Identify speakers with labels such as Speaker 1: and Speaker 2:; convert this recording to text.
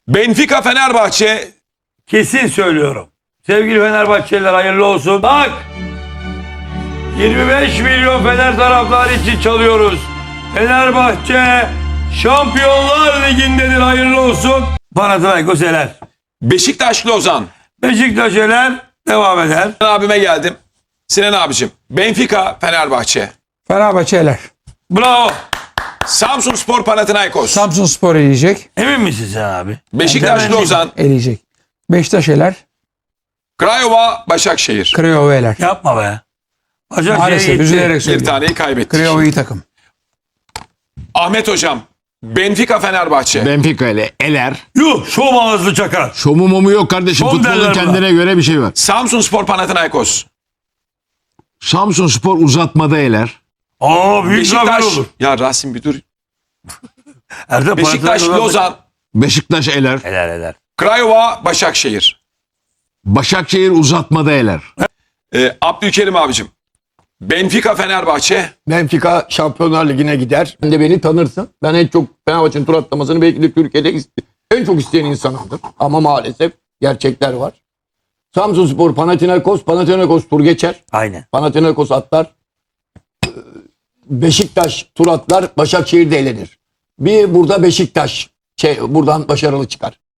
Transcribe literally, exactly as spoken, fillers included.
Speaker 1: Benfica Fenerbahçe.
Speaker 2: Kesin söylüyorum. Sevgili Fenerbahçeliler hayırlı olsun. Bak! yirmi beş milyon Fener taraftarı için çalıyoruz. Fenerbahçe Şampiyonlar Ligi'ndedir, hayırlı olsun. Panathinaikos eler.
Speaker 1: Beşiktaş Lozan.
Speaker 2: Beşiktaş eler devam eder.
Speaker 1: Sinan abime geldim. Sinan abicim. Benfica Fenerbahçe.
Speaker 3: Fenerbahçe eler.
Speaker 2: Bravo.
Speaker 1: Samsunspor Panathinaikos.
Speaker 3: Samsunspor eleyecek.
Speaker 2: Emin misin sen abi?
Speaker 1: Beşiktaş
Speaker 2: Ben de
Speaker 1: Lozan.
Speaker 3: Eleyecek. Beşiktaş eler.
Speaker 1: Craiova Başakşehir.
Speaker 3: Craiova eler.
Speaker 2: Yapma be. Başakşehir
Speaker 3: Maalesef
Speaker 2: gitti.
Speaker 3: üzülerek
Speaker 1: Bir
Speaker 3: söylüyorum.
Speaker 1: taneyi kaybettik.
Speaker 3: Craiova iyi takım.
Speaker 1: Ahmet hocam. Benfica Fenerbahçe.
Speaker 4: Benfica ile eler.
Speaker 2: Yuh, şov ağızlı çakar.
Speaker 4: Şomu momu yok kardeşim.
Speaker 2: Şov
Speaker 4: Futbolun
Speaker 2: derler
Speaker 4: kendine göre bir şey var.
Speaker 1: Samsunspor Panathinaikos.
Speaker 4: Samsunspor uzatmada eler.
Speaker 2: Aa, büyük zafer
Speaker 1: Beşiktaş.
Speaker 2: olur.
Speaker 1: Ya Rasim bir dur.
Speaker 2: Erdem
Speaker 1: Beşiktaş
Speaker 2: Panathinaikos'a-
Speaker 1: Lozan.
Speaker 4: Beşiktaş eler.
Speaker 2: Eder eder.
Speaker 1: Craiova Başakşehir.
Speaker 4: Başakşehir uzatmada eler.
Speaker 1: Ee, Abdülkerim abicim. Benfica Fenerbahçe.
Speaker 5: Benfica Şampiyonlar Ligi'ne gider. Sen de beni tanırsın. Ben en çok Fenerbahçe'nin tur atlamasını belki de Türkiye'de iste- en çok isteyen insanımdır. Ama maalesef gerçekler var. Samsunspor, Panathinaikos, Panathinaikos tur geçer.
Speaker 2: Aynen.
Speaker 5: Panathinaikos atlar. Ee, Beşiktaş tur atlar. Başakşehir de elenir. Bir burada Beşiktaş şey, buradan başarılı çıkar.